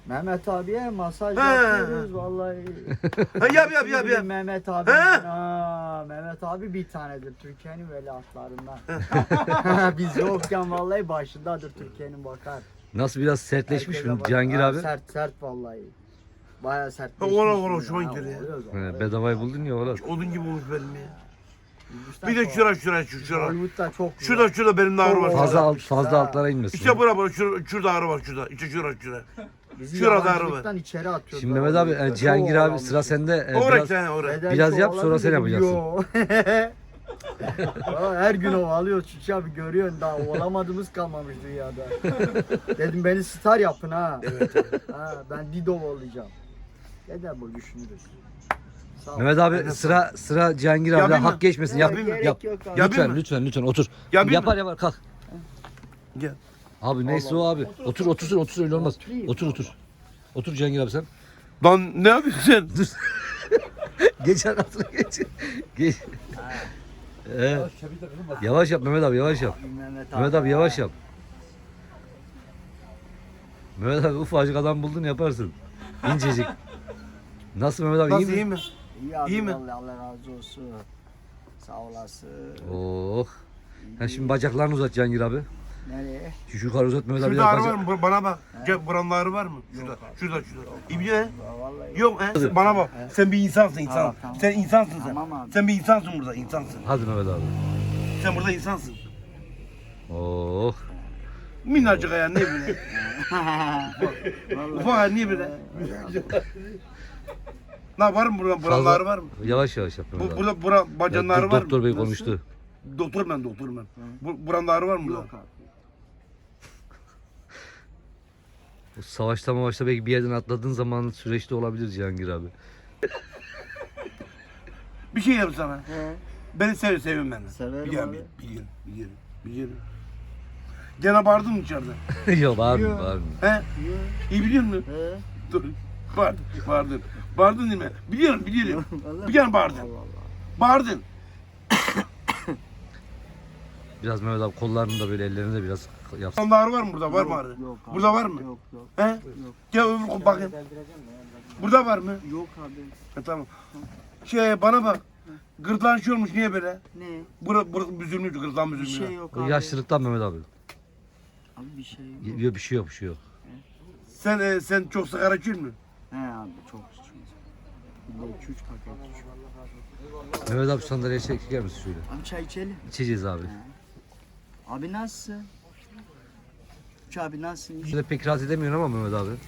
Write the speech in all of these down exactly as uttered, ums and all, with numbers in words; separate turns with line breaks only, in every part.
Mehmet abiye masaj
He.
yapıyoruz vallahi.
Ha, yap yap yap yap.
Mehmet abi.
He.
Aa, Mehmet abi bir tanedir Türkiye'nin veliahtlarından. Biz yokken vallahi başındadır Türkiye'nin bakar.
Nasıl biraz sertleşmiş
Herkese
mi
bak-
Cihangir
Ha,
abi?
Sert sert vallahi. Bayağı
Ha,
sertleşmiş.
ola ola
ya.
hoşuma
Ha,
gidiyor ya.
oluyor zaten.
He, bedavayı buldun ya oğlum.
Odun gibi olmuş benim ya.
Hindistan
Bir de
çok-
şura şura şu şura.
Hollywood'da çok
Şurada şurada benim de ağrı var.
Çok
Fazla alt,
yapmışız
fazla
ha.
altlara inmesin.
İşte bura bura şurada, şurada ağrı var şurada. İşte şura şura.
Bizi
şurada ağrı var.
yabancılıktan içeri atıyorlar.
Şimdi Mehmet abi e, Cihangir abi sıra sende. E,
Oraya
biraz,
sen oraya.
Neden
Biraz yap,
kovaladın
sonra sen
dedim,
yapacaksın.
yo. Aa, her gün ovalıyor Çiçi abi görüyorsun daha ovalamadığımız kalmamış dünyada. Dedim beni star yapın ha. Ha ben Dido olacağım. Neden bu düşünürüz? Sağ ol.
Mehmet abi sıra sıra Cihangir abi
Yapayım mı?
hak geçmesin.
Ya,
Yap,
gerek
yap.
yok abi.
Yapayım
Lütfen
mı?
lütfen lütfen otur.
Yapayım
Yapar
mı?
yapar kalk.
Gel.
Abi neyse o abi. Otur otursun otursun öyle olmaz.
Oturayım.
Otur otur. Otur Cihangir abi sen.
Lan ne yapıyorsun sen?
Geç arkasına geç. Geç. Ee, yavaş yap Mehmet abi yavaş yap.
Mehmet
Mehmet abi yavaş yap. Mehmet abi ufacık adam buldun yaparsın. İncecik. Nasıl Mehmet abi iyi
Nasıl iyi
mi?
mi?
İyi abi
İyi mi?
vallahi Allah razı olsun. Sağ olasın.
Oh. Ha şimdi bacaklarını uzat Cihangir abi.
Nereye?
Şu yukarı uzat Mehmet abi.
Şurada ağrı
bacak-
var mı? Bu- Bana bak. Gel buranın ağrı var mı? Şurada. Şurada şurada. İbni he?
Ya Vallahi
Yok he? Bana bak. Sen bir insansın insan.
Tamam, tamam.
Sen insansın sen.
Tamam abi.
Sen bir insansın burada insansın.
Hadi Mehmet abi.
Sen burada insansın.
Oh.
Minnacık ayağın ne bile. Ufak ayağın niye bile? Ne var mı burada? Buranın
Fazla-
ağrı var mı?
Yavaş yavaş yap Mehmet
Bu,
abi.
burada bura
Ya,
bacanın
dur,
ağrı var mı?
doktor bey
Nasıl?
konuştu.
Doktor ben doktor ben. Bu, buranın ağrı var mı burada?
Yok abi.
Bu Savaşta mavaşta belki bir yerden atladığın zaman süreçte olabilir Cihangir abi.
Bir şey yap sana.
He.
Beni sev seviyorum beni.
Severim
biliyorum,
abi.
Biliyorum, biliyorum, biliyorum. Gene bağırdın mı içeride?
Yok abi
Yok.
abi.
He?
Yok.
İyi biliyor musun?
He.
Dur. Bağırdın, bağırdın. Bağırdın değil mi? Biliyorum, biliyorum.
Vallahi-
Bir kere bağırdın.
Allah Allah.
Bağırdın.
Biraz Mehmet abi kollarını da böyle ellerini de biraz yapsın.
Sende ağrı var mı burada? Var mı
Yok,
ağrı?
yok abi.
Burada var mı?
Yok yok.
He?
Yok.
Gel öbür kol bakayım. Burada var mı?
Yok abi.
Ha, tamam. Şey bana bak. Gırtlağın şey olmuş niye böyle?
Ne?
Bura, bura büzülmüş, gırtlağın
Bir
büzülmüş.
şey yok
O
abi.
yaşlılıktan Mehmet abi.
Abi bir şey yok.
Yok bir şey yok bir şey yok.
Sen e, sen çok sigara içiyor musun?
He abi çok içiyoruz. Bir de iki üç paket içiyorum.
Mehmet abi şu sandalyeye çeker misin şöyle?
Abi çay içelim.
İçeceğiz abi.
Abi nasılsın? Üç abi nasılsın?
Şöyle pek rahat edemiyorsun ama Mehmet abi.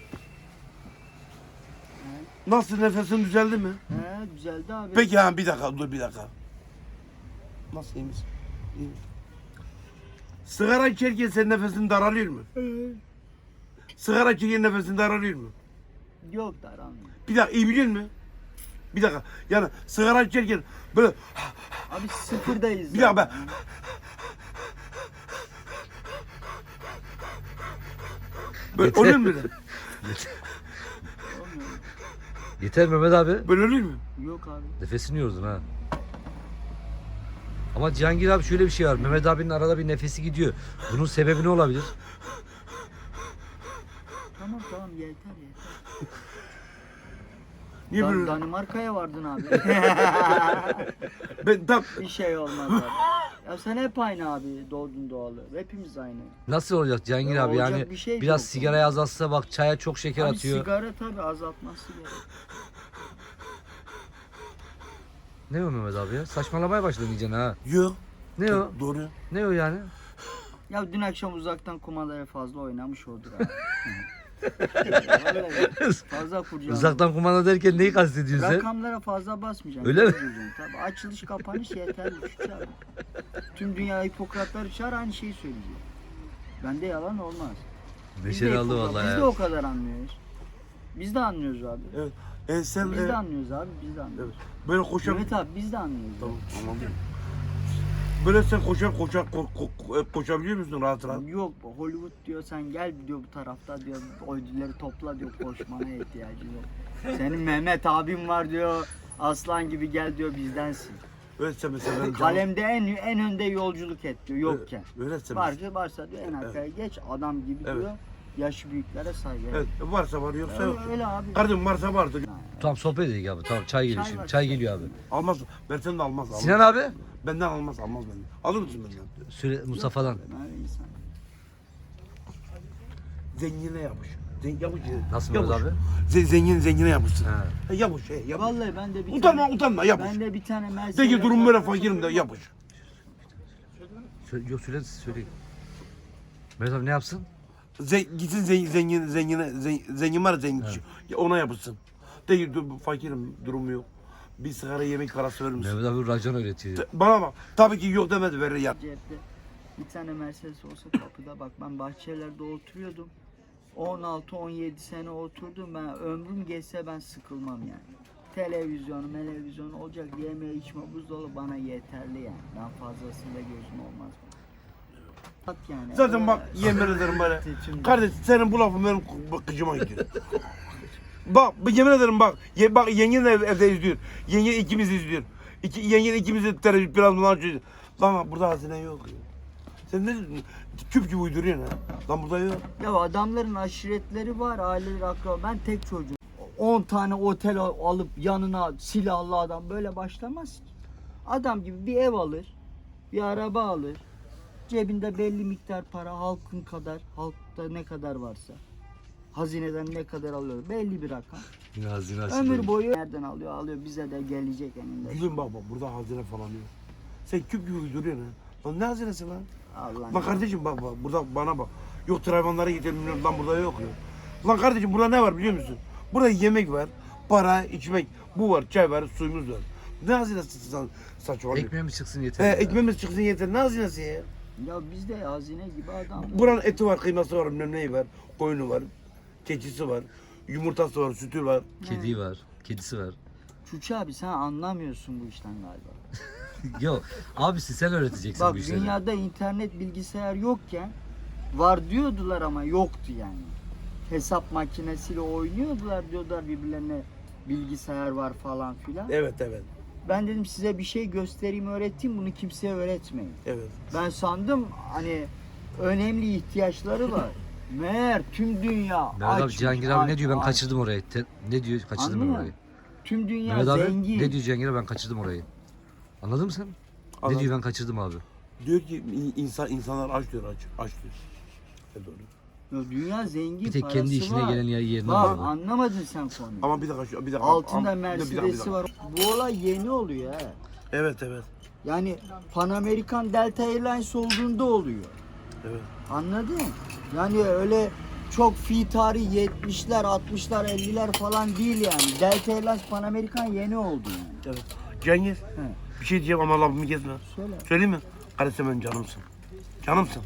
Nasıl nefesin düzeldi mi?
He güzeldi abi.
Peki ha bir dakika dur bir dakika. Nasıl iyi misin? İyi misin? Sigara içerken senin nefesin daralıyor mu? Sigara içerken nefesin daralıyor mu?
Yok da aramıyor.
Bir dakika iyi biliyor musun? Bir dakika yani sigara içerken böyle
Abi sıfırdayız.
bir dakika ben böyle oluyor mu böyle?
Yeter Mehmet abi.
Böyle oluyor mu?
Yok abi.
Nefesini yordun ha. Ama Cihangir abi şöyle bir şey var. Mehmet abinin arada bir nefesi gidiyor. Bunun sebebi ne olabilir?
Tamam tamam yeter yeter.
Niye
Dan-
böyle?
Danimarka'ya vardın abi.
Ben tam
Bir şey olmaz abi. Ya sen hep aynı abi doğdun doğalı. Hepimiz aynı.
Nasıl olacak Cihangir
Ya
abi?
olacak
Yani
bir şey
biraz
yok.
sigarayı azaltsa bak çaya çok şeker
Abi
atıyor.
sigara tabii azaltması gerek.
Ne o Mehmet abi ya? Saçmalamaya başladın iyice ha.
yok.
Ne o?
Doğru.
Ne o yani?
Ya dün akşam uzaktan kumandaları fazla oynamış odur abi. Vallahi fazla kurcaladım.
Uzaktan kumanda derken neyi kastediyorsun sen?
Rakamlara fazla basmayacaksın.
Öyle mi?
Göreceksin Tabii açılış kapanış yeterli şu çağır. Tüm dünya Hipokratları çağır aynı şeyi söyleyecek. Bende yalan olmaz. Biz de
Neşeli aldı
Hipokrat-
vallahi
Biz de
ya.
o kadar anlıyoruz. Biz de anlıyoruz abi.
Evet. E sen
Biz
e,
de anlıyoruz abi, biz de anlıyoruz.
böyle koşar.
Evet abi biz de anlıyoruz.
Tamam tamam. Böyle sen koşar koşar ko- ko- ko- koşabiliyor musun rahat rahat?
Abi. Yok Hollywood diyor sen gel diyor bu tarafta diyor ödülleri topla diyor koşmana ihtiyacı yok. Senin Mehmet abim var diyor aslan gibi gel diyor bizdensin.
Öyleyse mesela benim canım.
Kalemde en en önde yolculuk et diyor yokken.
Öyleyse
Varsa varsa diyor en arkaya geç adam gibi
Evet.
diyor. Yaşı büyüklere saygı.
Evet, varsa var yoksa yok.
Öyle, öyle abi.
Kardeşim varsa vardır.
Tamam sohbet edelim abi. Tamam çay geliyor
Çay
şimdi.
var.
Çay geliyor abi.
Almaz. Versen de almaz. almaz.
Sinan abi.
Benden almaz almaz benden. Alır mısın benden?
Söyle Mustafa'dan.
Öyle insan.
Zengine yapış. Zen, yapış.
Nasıl
yapış.
Mehmet abi?
Ze, zengin zengine yapışsın.
Ha.
Ha, yapış. He, yapış.
Vallahi ben de bir
Utanma
tane,
utanma yapış.
ben de bir tane Mercedes.
De ki durum böyle fakirim de yapış.
Söyle, yok söyle söyleyin. Mehmet abi ne yapsın?
Ze, gitsin zengin, zengin zengine zengin, zengin var ya zengin kişi. Ona yapışsın. De ki dur, fakirim durumu yok. Bir sigara yemek parası verir misin?
Mehmet abi racon öğretiyor.
De- Bana bak. Tabii ki yok demedi verir ya.
Cepte bir tane Mercedes olsa kapıda bak ben Bahçeliler'de oturuyordum. on altı on yedi sene oturdum ben ömrüm geçse ben sıkılmam yani. Televizyonu, televizyonu olacak yeme içme buzdolabı bana yeterli yani. Daha fazlasıyla gözüm olmaz. Bak yani.
Zaten bak
öyle-
yemin ederim böyle.
Şimdi-
Kardeş senin bu lafın benim kıcıma gidiyor. Bak yemin ederim bak. Ye, bak yengen de ev, evde izliyor. Yengen ikimiz izliyor. İki, yengen ikimiz de televizyon biraz bundan açıyor. Lan bak burada hazine yok. Ya. Sen ne küp gibi uyduruyorsun ha. Lan burada yok.
Ya adamların aşiretleri var, aileleri akraba. Ben tek çocuğum. on tane otel al- alıp yanına silahlı adam böyle başlamaz ki. Adam gibi bir ev alır, bir araba alır. Cebinde belli miktar para halkın kadar, halkta ne kadar varsa. Hazineden ne kadar alıyor belli bir rakam.
Yine hazine
Ömür boyu nereden alıyor alıyor bize de gelecek eninde.
Gülüm bak bak burada hazine falan yok. Sen küp gibi uyduruyorsun ha. Lan ne hazinesi lan?
Allah
Lan kardeşim bak bak burada bana bak. Yok hayvanlara gidelim lan burada yok ya. Lan kardeşim burada ne var biliyor musun? Burada yemek var, para, içmek. Bu var, çay var, suyumuz var. Ne hazinesi sen saçmalıyorsun?
Ekmeğimiz çıksın
He,
yeter. ya.
ekmeğimiz çıksın yeter. Ne hazinesi ya?
ya bizde hazine gibi adam.
Buranın eti var, kıyması var, bilmem neyi var, koyunu var, keçisi var, yumurtası var, sütü var.
Kedi var. Kedisi var.
Çuçu abi sen anlamıyorsun bu işten galiba.
Yok abisi sen öğreteceksin
Bak
bu işleri.
dünyada internet bilgisayar yokken var diyordular ama yoktu yani. Hesap makinesiyle oynuyordular diyorlar birbirlerine bilgisayar var falan filan.
Evet, evet,
Ben dedim size bir şey göstereyim öğreteyim bunu kimseye öğretmeyin.
evet.
Ben sandım hani önemli ihtiyaçları var. Meğer tüm dünya
Mehmet abi
aç.
Cihangir abi ne diyor ben
aç.
kaçırdım orayı. Te- ne diyor kaçırdım
Anladın
ben
mı?
orayı.
Tüm dünya
Mehmet abi
zengin.
ne diyor Cihangir abi ben kaçırdım orayı. Anladın mı sen?
Anladım.
Ne diyor ben kaçırdım abi.
Diyor ki insan insanlar aç diyor, aç, aç diyor. E doğru.
Ya dünya zengin
Bir tek
parası
kendi işine
var.
gelen yer yerine
Bak
alıyor.
anlamadın sen konuyu.
Ama bir dakika, şu- bir dakika.
Altında
Ama- bir dakika, bir dakika, bir
Mercedes'i
dakika.
var. Bu olay yeni oluyor he.
Evet, evet,
Yani Pan American Delta Airlines olduğunda oluyor.
evet.
Anladın? Yani öyle çok fi tarihi yetmişler, altmışlar, elliler falan değil yani. Delta Airlines Pan American yeni oldu yani.
Evet. Cengiz,
He.
bir şey diyeceğim ama lafımı kesme.
Söyle.
Söyleyeyim mi? Kardeş sen benim canımsın. Canımsın.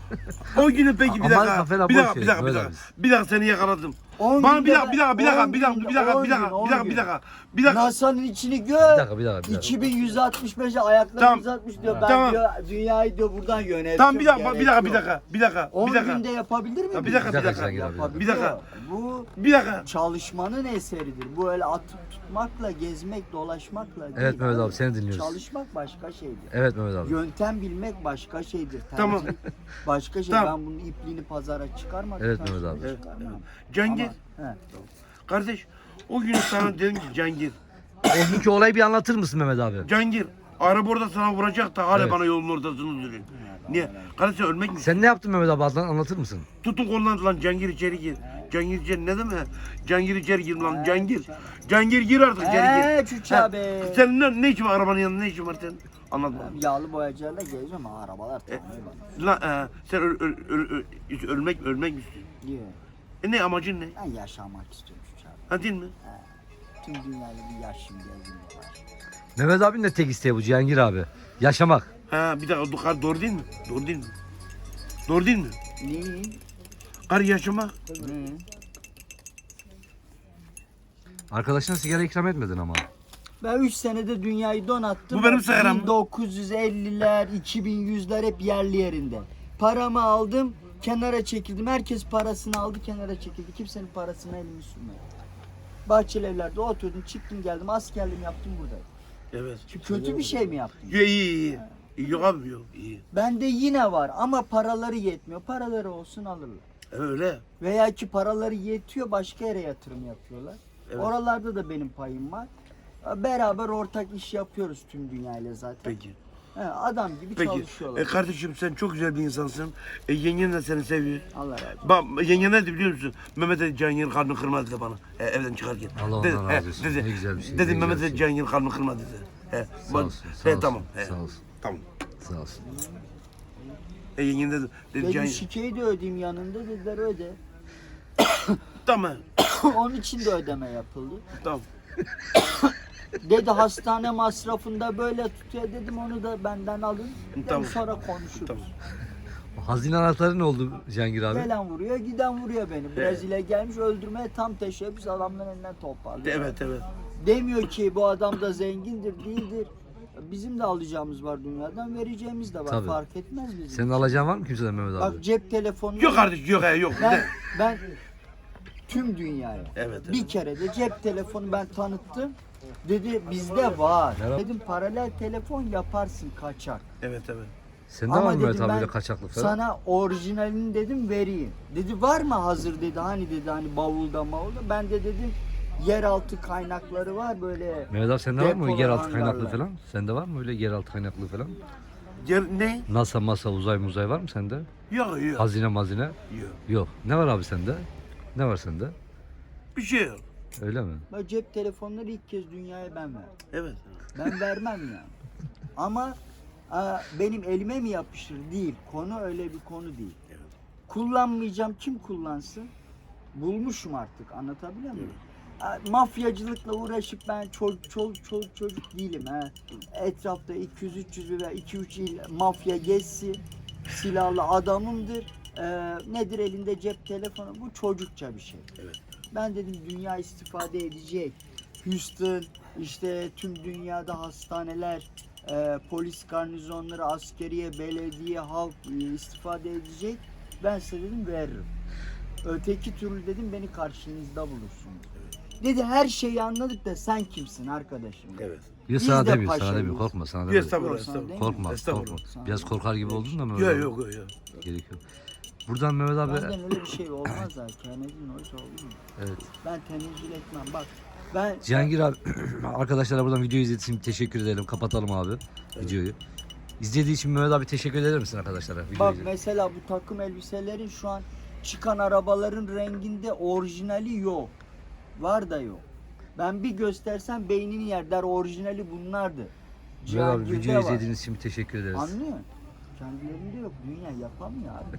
O günü peki bir
Aman
dakika.
kafana
Bir
boş
dakika, bir
ver,
dakika, bir
böyle
dakika.
biz.
Bir dakika seni yakaladım.
On
Bana bir
günde
dakika, bir dakika, bir dakika,
on
bir dakika, bir
günde,
dakika,
on
bir dakika,
gün, on
bir dakika,
gün.
bir dakika, bir dakika.
NASA'nın içini gör.
Bir dakika bir dakika. Bir dakika.
iki bin yüz altmış beşe ayakları
Tamam.
uzatmış diyor. Ben
Tamam.
diyor dünyayı diyor buradan yönetiyorum.
Tamam bir dakika,
gerek
bir dakika, bir
yok.
dakika, bir dakika,
on
bir dakika.
günde yapabilir mi?
Ya bir
bunu?
dakika,
Bir
bir
dakika
dakika.
Cihangir abi.
Yapabilir.
Bir dakika.
Bu
Bir dakika.
çalışmanın eseridir. Bu öyle atıp tutmakla, gezmek, dolaşmakla değil.
Evet Mehmet abi seni dinliyoruz.
Çalışmak başka şeydir.
Evet Mehmet abi.
Yöntem bilmek başka şeydir. Tercih
Tamam.
başka şey.
Tamam.
Ben bunun ipliğini pazara çıkarmadım.
Evet
ben
Mehmet abi.
şimdi çıkarmam.
Cengiz,
Ama, he.
kardeş o gün sana dedim ki Cengiz,
O günkü olayı bir anlatır mısın Mehmet abi?
Cengiz araba orada sana vuracak da hala
Evet.
bana yolun ortasını duruyor. Niye? Kardeş sen ölmek mi?
Sen ne yaptın Mehmet abi Adnan anlatır mısın?
Tutun kolundan lan Cengiz içeri gir. Cengiz içeri ne demek? Cengiz içeri gir lan Cengiz. Cengiz gir artık içeri
Eee
gir.
Çuçu
Ha,
abi.
Senin ne, ne işin var arabanın yanında ne işin var senin? Anlat bana.
Yağlı boyacılarla geziyorum ama arabalar tanıyor bana.
Lan e, sen öl, öl, öl, öl- hiç ölmek ölmek mi istiyorsun?
Diyor.
E ne amacın ne?
Ben yaşamak istiyorum Çuçu abi.
Ha değil mi?
Tüm dünyayla bir yaşım gezdim var.
Mehmet abinin de tek isteği bu Cihangir abi. Yaşamak.
Ha bir dakika doğru, doğru değil mi? Doğru değil mi? Doğru değil mi?
Ne?
Kar yaşamak.
Ne?
Arkadaşına sigara ikram etmedin ama.
Ben üç senede dünyayı donattım.
Bu benim sigaram mı?
bin dokuz yüz elliler, iki bin yüzler hep yerli yerinde. Paramı aldım, kenara çekildim. Herkes parasını aldı, kenara çekildi. Kimsenin parasına elimi sürmedi. Bahçeli evlerde oturdum, çıktım geldim, askerliğimi yaptım buradayım.
Evet.
Şimdi kötü bir şey mi yaptım?
Yo, iyi iyi. iyi. Yok abi yok iyi.
Bende yine var ama paraları yetmiyor. Paraları olsun alırlar.
Öyle.
Veya ki paraları yetiyor başka yere yatırım yapıyorlar.
Evet.
Oralarda da benim payım var. Beraber ortak iş yapıyoruz tüm dünyayla zaten.
Peki.
He, adam gibi
Peki.
çalışıyorlar.
E kardeşim sen çok güzel bir insansın. E, yengen de seni seviyor.
Allah razı olsun.
Bak yengen ne dedi biliyor musun? Mehmet Ali Cihangir kalbini kırmaz dedi bana. E, evden çıkarken.
Allah
Dedi,
ondan razı olsun.
Dedi,
Ne güzel bir şey,
Dedi
ne
Mehmet
güzel
Ali
bir şey.
Cihangir kalbini kırmaz dedi. He,
Sağ
bak-
olsun, sağ
he,
olsun,
tamam. He,
sağ olsun.
Tamam.
Sağ olsun.
E yengen dedi. Dedi
Dedim
Cihangir.
şikeyi de ödeyeyim yanında dediler öde.
Tamam.
Onun için de ödeme yapıldı.
Tamam.
Dedi hastane masrafında böyle tutuyor dedim onu da benden alın. Dedim,
Tamam.
sonra konuşuruz.
Tamam.
Hazine anahtarı ne oldu Cihangir abi?
Gelen vuruyor giden vuruyor beni. Brezilya gelmiş öldürmeye tam teşebbüs adamların elinden toparlıyor.
Evet evet.
Demiyor ki bu adam da zengindir değildir. Bizim de alacağımız var dünyadan vereceğimiz de var
Tabii.
fark etmez bizim.
Senin alacağın var mı kimseden Mehmet abi?
Bak cep telefonu.
Yok kardeş yok he yok.
Ben,
De-
ben tüm dünyaya
Evet, evet.
bir kere de cep telefonu ben tanıttım. Dedi bizde var.
Merhaba.
Dedim paralel telefon yaparsın kaçak.
Evet evet.
Sende
Ama
var mı Mehmet
dedim
abi
ben
böyle kaçaklık falan?
sana orijinalini dedim vereyim. Dedi var mı hazır dedi hani dedi hani bavulda mavulda. Ben de dedim yeraltı kaynakları var böyle.
Mehmet abi sende var mı
depolar,
yeraltı kaynaklı
hangarlar.
falan? Sende var mı öyle yeraltı kaynaklı falan?
Yer, ne?
NASA, masa, uzay, muzay var mı sende?
Yok yok.
Hazine, mazine?
Yok.
Yok. Ne var abi sende? Ne var sende?
Bir şey yok.
Öyle mi?
Ben cep telefonları ilk kez dünyaya ben verdim.
Evet.
Ben vermem yani. Ama aa, benim elime mi yapışır? Değil. Konu öyle bir konu değil.
Evet.
Kullanmayacağım. Kim kullansın? Bulmuşum artık. Anlatabiliyor muyum? Aa, Mafyacılıkla uğraşıp ben çocuk çocuk çocuk çocuk değilim. Ha. Etrafta iki yüz üç yüz veya iki üç il mafya gezsin. Silahlı adamımdır. Ee, nedir elinde cep telefonu? Bu çocukça bir şey.
Evet.
Ben dedim dünya istifade edecek. Houston, işte tüm dünyada hastaneler, e, polis garnizonları, askeriye, belediye, halk e, istifade edecek. Ben size dedim veririm. Öteki türlü dedim beni karşınızda bulursunuz. Dedi her şeyi anladık da sen kimsin arkadaşım? dedi.
Evet.
Bir de
Biz
sana
de
demiyor, sana
paşayız.
demiyor. Korkma sana
Bir
demiyor.
estağfurullah
Yok, sana
estağfurullah.
değil.
Korkma,
Estağfurullah.
korkma.
Sana
Biraz
demiyor.
korkar gibi oldun da Mehmet
Yok
abi.
yok yok. yok.
Gerek yok. Buradan Mehmet abi...
Benden öyle bir şey olmaz ha. Kennedy Noise olur mu?
Evet.
Ben tenezzül etmem. Bak ben
Cihangir abi, arkadaşlara buradan video izlediğiniz için teşekkür edelim. Kapatalım abi videoyu. İzlediği için Mehmet abi teşekkür eder misin arkadaşlara? Videoyu
bak
izledi-
mesela bu takım elbiselerin şu an çıkan arabaların renginde orijinali yok. Var da yok. Ben bir göstersem beynini yer der orijinali bunlardı.
Mehmet abi
Cihangir'de
videoyu
var.
izlediğiniz için teşekkür ederiz.
Anlıyor musun? Kendilerinde yok. Dünya yapamıyor abi.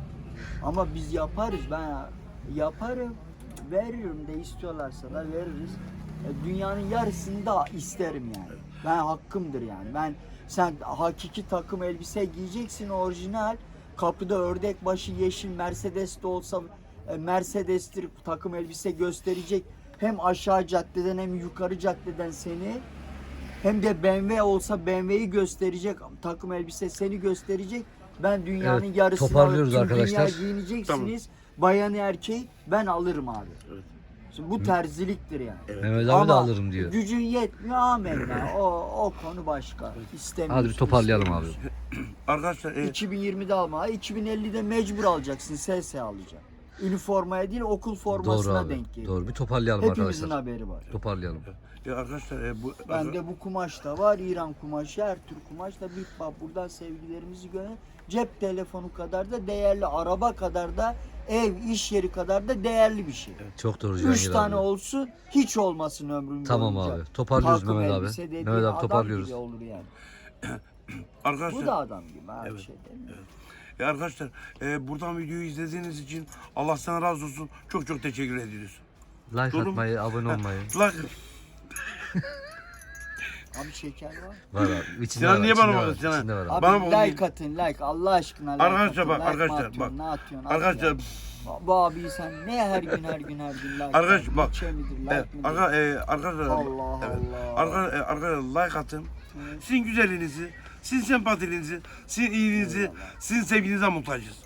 Ama biz yaparız. Ben yaparım. Veririm de istiyorlarsa da veririz. E, Dünyanın yarısını da isterim yani. Ben hakkımdır yani. Ben sen hakiki takım elbise giyeceksin orijinal. Kapıda ördek başı yeşil Mercedes de olsa e, Mercedes'tir takım elbise gösterecek. Hem aşağı caddeden hem yukarı caddeden seni. Hem de B M W olsa B M W'yi gösterecek, takım elbise seni gösterecek. Ben dünyanın
Evet,
yarısını
toparlıyoruz
tüm
arkadaşlar.
dünya giyineceksiniz. Bayanı erkeği ben alırım abi.
Evet.
Şimdi bu terziliktir yani.
Evet.
Mehmet abi
Ama
de alırım diyor.
gücün yetmiyor amenna. O, o konu başka. İstemiyorsun.
Hadi bir toparlayalım abi.
Arkadaşlar e,
iki bin yirmide alma. iki bin ellide mecbur alacaksın. S S alacaksın. Üniformaya değil okul formasına
Doğru abi.
denk geliyor.
Doğru. Bir toparlayalım
Hepimizin
arkadaşlar.
haberi var.
Toparlayalım.
e, arkadaşlar e, bu
Bende bu kumaş da var. İran kumaşı, her tür kumaş da bir bak buradan sevgilerimizi göre cep telefonu kadar da değerli, araba kadar da ev, iş yeri kadar da değerli bir şey.
Çok doğru
Üç
Cihangir
tane
abi.
olsun, hiç olmasın ömrüm
Tamam
boyunca.
abi. Toparlıyoruz
Takım
Mehmet abi.
elbise dediğin
Mehmet abi
adam
toparlıyoruz.
gibi olur yani.
arkadaşlar
Bu da adam gibi abi
Evet.
şey değil mi?
e, arkadaşlar e, buradan videoyu izlediğiniz için Allah sana razı olsun. Çok çok teşekkür ediyoruz.
Like
Doğru mu?
atmayı, abone olmayı.
Like,
Abi şeker var.
Var abi. İçinde
Sinan
var,
niye
içinde
bana
var,
bakıyorsun Sinan?
içinde var abi.
Abi
Bana bak-
like atın like Allah aşkına like
Arkadaşlar
atın.
bak,
Like mi
arkadaşlar
atıyorsun,
bak.
Ne atıyorsun? At
arkadaşlar
ya. Bu abi sen ne her gün her gün her gün like
Arkadaş,
at,
bak.
bütçe midir, like
e,
midir?
arka, e, arkadaşlar
Allah
evet.
Allah.
Arka, e, arkadaşlar like atın. Sizin güzelliğinizi, sizin sempatinizi, sizin iyiliğinizi, sizin sevginize muhtacız.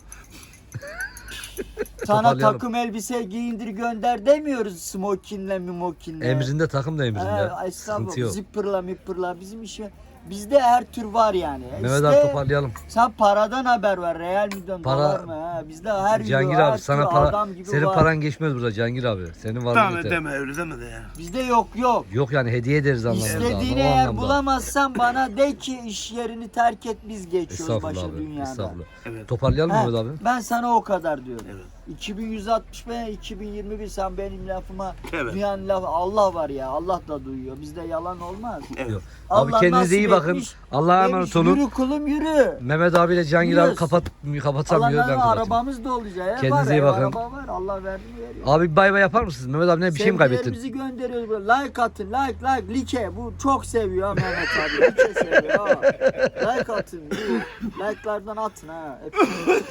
Sana
Toparlayalım.
takım elbise giyindir gönder demiyoruz smokinle mimokinle.
Emrinde takım da emrinde.
He,
Sıkıntı
estağfurullah.
yok.
Zipperla mipperla bizim işe bizde her tür var yani.
Mehmet
İşte
abi toparlayalım.
sen paradan haber ver. Real milyon
Para-
dolar mı? Ha? Bizde her
Cihangir
euro, her
abi sana
tür
para
adam gibi
senin
var.
paran geçmez burada Cihangir abi. Senin var
Tamam
yeter.
deme öyle deme de ya.
Bizde yok yok.
Yok yani hediye ederiz anlamında.
İstediğini
o
eğer
anlamda.
bulamazsan bana de ki iş yerini terk et, biz geçiyoruz
Estağfurullah
başa
abi.
dünyada.
Estağfurullah.
Evet.
Toparlayalım
Ha,
Mehmet abi.
ben sana o kadar diyorum.
Evet.
iki bin yüz altmış ve iki bin yirmi bir sen benim lafıma
Evet.
dünyanın lafı Allah var ya, Allah da duyuyor. Bizde yalan olmaz.
Evet.
Yok. Abi
Allah
kendinize iyi
nasip
bakın.
etmiş,
Allah'a
demiş,
emanet olun.
Yürü kulum yürü.
Mehmet abiyle Cihangir abi
Yürüyoruz.
kapat kapatamıyor ben
Allah'ın
kapatayım.
arabamız da olacak. Ev
Kendinize
var,
iyi
ev
bakın.
Araba var. Allah verdi veriyor.
Abi bir bay bay yapar mısınız? Mehmet abi ne bir şey mi kaybettin?
Sevgilerimizi gönderiyoruz böyle. Like atın, like, like, like. Bu çok seviyor ha Mehmet abi. Like seviyor ha. Like atın. Bu like'lardan atın ha. Hepsini.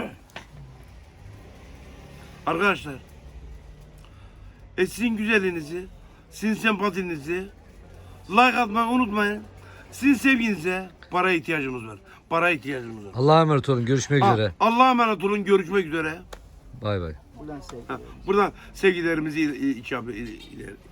Arkadaşlar. E sizin güzelliğinizi, sizin sempatinizi like atmayı unutmayın. Sizin sevginize paraya ihtiyacımız var. Paraya ihtiyacımız var.
Allah'a emanet olun. Görüşmek
Ha,
üzere.
Allah'a emanet olun. Görüşmek üzere.
Bay bay.
Buradan sevgiler.
Ha, buradan sevgilerimizi il- il- icap- il- ileri-